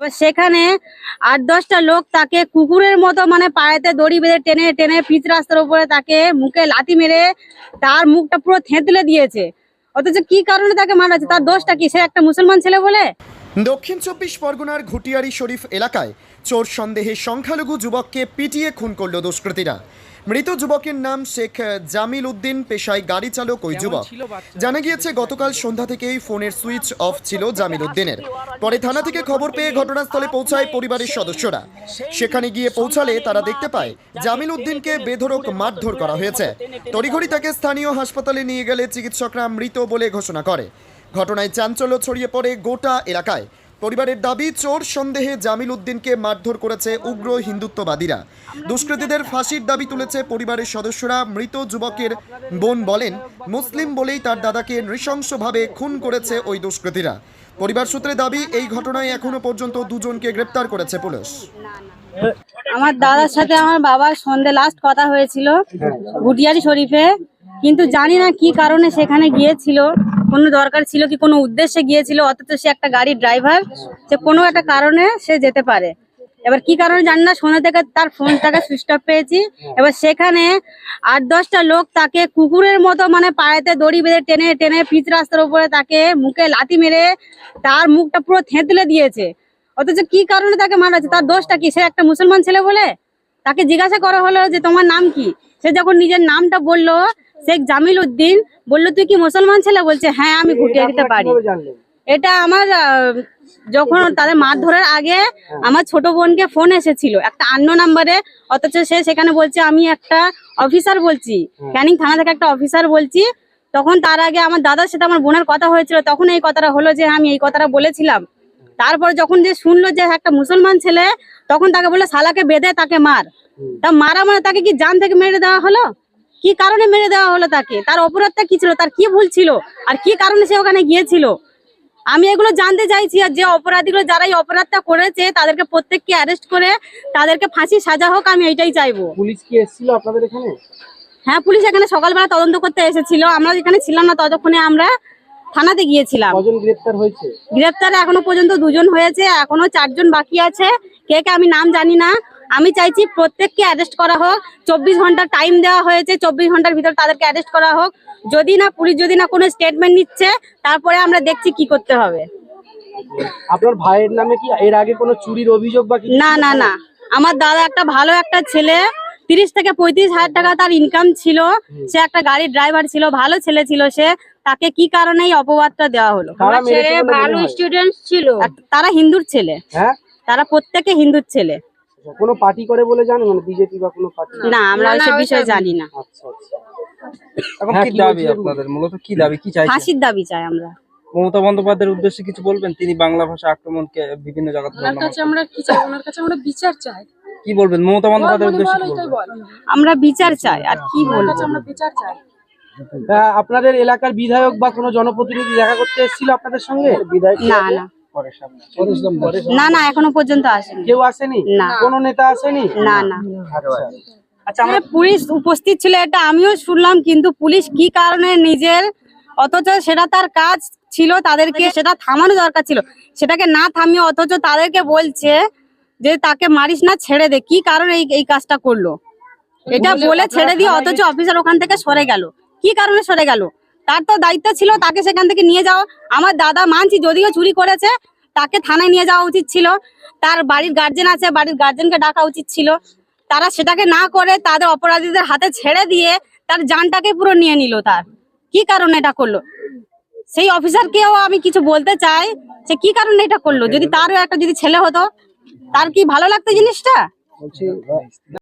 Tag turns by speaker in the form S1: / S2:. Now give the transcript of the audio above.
S1: সেখানে ৮-১০টা লোক তাকে কুকুরের মতো মানে পায়েতে দড়ি বেঁধে টেনে টেনে পিচ রাস্তার উপরে তাকে মুখে লাথি মেরে তার মুখটা পুরো থেঁতলে দিয়েছে। অথচ কি কারণে তাকে মারা হচ্ছে, তার দোষটা কি? সে একটা মুসলমান ছেলে বলে।
S2: দক্ষিণ ২৪ পরগনার ঘুটিয়ারি শরীফ এলাকায় চোর সন্দেহে সংখ্যালঘু যুবককে পিটিয়ে খুন করল দুষ্কৃতীরা। মৃত যুবকের নাম শেখ জামিল উদ্দিন, পেশায় গাড়ি চালক ওই যুবক। জানা গিয়েছে গতকাল সন্ধ্যা থেকেই ফোনের সুইচ অফ ছিল জামিল উদ্দিনের। পরে থানা থেকে খবর পেয়ে ঘটনাস্থলে পৌঁছায় পরিবারের সদস্যরা। সেখানে গিয়ে পৌঁছালে তারা দেখতে পায় জামিল উদ্দিনকে বেধড়ক মারধর করা হয়েছে। তড়িঘড়ি তাকে স্থানীয় হাসপাতালে নিয়ে গেলে চিকিৎসকরা মৃত বলে ঘোষণা করে। ঘটনায় চাঞ্চল্য ছড়িয়ে পড়ে গোটা এলাকায়। পরিবারের দাবি, চোর সন্দেহে জামিল উদ্দিনকে মারধর করেছে উগ্র হিন্দুত্ববাদীরা। দুষ্কৃতীদের ফাঁসির দাবি তুলেছে পরিবারের সদস্যরা। মৃত যুবকের বোন বলেন, মুসলিম বলেই তার দাদাকে নৃশংসভাবে খুন করেছে ওই দুষ্কৃতীরা। পরিবার সূত্রে দাবি, এই ঘটনায় এখনো পর্যন্ত দুজনকে গ্রেপ্তার করেছে পুলিশ।
S1: আমার দাদার সাথে আমার বাবার সন্ধে লাস্ট কথা হয়েছিল ঘুটিয়ারি শরীফে, কিন্তু জানি না কি কারণে সেখানে গিয়েছিল, কোনো দরকার ছিল কি কোনো উদ্দেশ্যে গিয়েছিল। অথচ সে একটা গাড়ির ড্রাইভার, সে কোনো একটা কারণে সে যেতে পারে। এবার কি কারণে জানি না, সন্ধ্যা থেকে তার ফোনটাকে সুইচ অফ পেয়েছি। এবার সেখানে ৮-১০টা লোক তাকে কুকুরের মতো মানে পায়েতে দড়ি বেঁধে টেনে টেনে পিচ রাস্তার উপরে তাকে মুখে লাথি মেরে তার মুখটা পুরো থেঁতলে দিয়েছে। অথচ কি কারণে তাকে মারা হচ্ছে, তার দোষটা কি? সে একটা মুসলমান ছেলে বলে। তাকে জিজ্ঞাসা করা হলো যে তোমার নাম কি? সে যখন নিজের নামটা বললো, শেখ জামিল উদ্দিন, বললো তুই কি মুসলমান ছেলে? বলছে হ্যাঁ, আমি ঘুটিয়ে দিতে পারি। এটা আমার যখন তাদের মারধরের আগে আমার ছোট বোনকে ফোন এসেছিল একটা অন্য নাম্বারে। অথচ সে সেখানে বলছে আমি একটা অফিসার বলছি, ক্যানিং থানা থেকে একটা অফিসার বলছি। তখন তার আগে আমার দাদার সাথে আমার বোনের কথা হয়েছিল, তখন এই কথাটা হলো যে আমি এই কথাটা বলেছিলাম। তারপর যখন যে শুনলো যে একটা মুসলমান ছেলে, তখন তাকে বললো শালাকে বেঁধে তাকে মার। তা মারা মানে তাকে কি জান থেকে মেরে দেওয়া হলো? কি কারণে মেরে দেওয়া হলো তাকে? তার অপরাধটা কি ছিল? তার কি ভুল ছিল? আর কি কারণে সে ওখানে গিয়েছিল? আমি এগুলো জানতে চাইছি। আর যে অপরাধীগুলো যারা এই অপরাধটা করেছে তাদেরকে প্রত্যেককে অ্যারেস্ট করে তাদেরকে ফাঁসি সাজা হোক, আমি এইটাই চাইবো।
S3: পুলিশ কি এসেছিল আপনাদের এখানে?
S1: হ্যাঁ, পুলিশ এখানে সকালবেলা তদন্ত করতে এসেছিল। আমরা এখানে ছিলাম না, ততক্ষণে আমরা থানাতে গিয়েছিলাম।
S3: কজন গ্রেফতার হয়েছে?
S1: গ্রেফতার এখনো পর্যন্ত 2জন হয়েছে, এখনো 4 জন বাকি আছে। কে কে আমি নাম জানি না। আমি চাইছি প্রত্যেককে অ্যারেস্ট করা হোক। 24 ঘন্টা টাইম দেওয়া হয়েছে, 24 ঘন্টার ভিতর তাদেরকে অ্যারেস্ট করা হোক। যদি না পুলিশ যদি না কোনো স্টেটমেন্ট নিচ্ছে, তারপরে আমরা দেখছি কি করতে হবে।
S3: আপনার ভাইয়ের নামে কি এর আগে কোনো চুরির অভিযোগ বা কিছু?
S1: না না না, আমার দাদা একটা ভালো একটা ছেলে, 30 থেকে 35 হাজার টাকা তার ইনকাম ছিল। সে একটা গাড়ির ড্রাইভার ছিল, ভালো ছেলে ছিল সে। তাকে কি কারণে এই অপবাদটা দেওয়া হলো?
S4: ভালো স্টুডেন্ট ছিল।
S1: তারা হিন্দুর ছেলে।
S3: হ্যাঁ,
S1: তারা প্রত্যেকে হিন্দুর ছেলে।
S3: কোনো পার্টি করে বলে জানেন, মানে বিজেপি বা কোনো পার্টি?
S1: না, আমরা ওইসব বিষয়ে জানি না।
S3: আচ্ছা আচ্ছা। এখন কি দাবি আপনাদের? মূলত কি দাবি, কি চাইছেন?
S1: ফাঁসির দাবি চাই আমরা।
S3: মমতা বন্দ্যোপাধ্যায়ের উদ্দেশ্যে কিছু বলবেন? তিনি বাংলা ভাষা আক্রমণকে বিভিন্ন জায়গাতে
S4: ওনার কাছে আমরা কি চাই? ওনার কাছে আমরা বিচার চাই।
S3: কি বলবেন মমতা বন্দ্যোপাধ্যায়ের উদ্দেশ্যে? কি বলবেন?
S1: আমরা বিচার চাই, আর কি বলবো?
S4: আমরা বিচার চাই।
S3: আপনাদের এলাকার বিধায়ক বা কোনো জনপ্রতিনিধি দেখা করতে এসেছিল আপনাদের সঙ্গে? বিধায়ক
S1: না না না না, এখনো পর্যন্ত আসেনি।
S3: কেউ আসেনি?
S1: না।
S3: কোনো নেতা আসেনি?
S1: না না।
S3: আচ্ছা,
S1: আমরা পুলিশ উপস্থিত ছিল এটা আমিও শুনলাম, কিন্তু পুলিশ কি কারণে নিজের, অথচ সেটা তার কাজ ছিল, তাদেরকে সেটা থামানো দরকার ছিল, সেটাকে না থামিয়ে অথচ তাদেরকে বলছে যে তাকে মারিস না, ছেড়ে দে। কি কারণে এই কাজটা করলো এটা বলে ছেড়ে দিয়ে, অথচ অফিসার ওখান থেকে সরে গেল। কি কারণে সরে গেল? তার তো দায়িত্ব ছিল তাকে সেখান থেকে নিয়ে যাওয়া। আমার দাদা মানছি যদিও চুরি করেছে, তাকে থানায় নিয়ে যাওয়া উচিত ছিল। তার বাড়ির গার্জেন আছে, বাড়ির গার্জেনকে ডাকা উচিত ছিল। তারা সেটাকে না করে তাদের অপরাধীদের হাতে ছেড়ে দিয়ে তার জানটাকে পুরো নিয়ে নিল। তার কি কারণে এটা করলো? সেই অফিসারকেও আমি কিছু বলতে চাই, সে কি কারণে এটা করলো? যদি তারও একটা যদি ছেলে হতো, তার কি ভালো লাগতো জিনিসটা?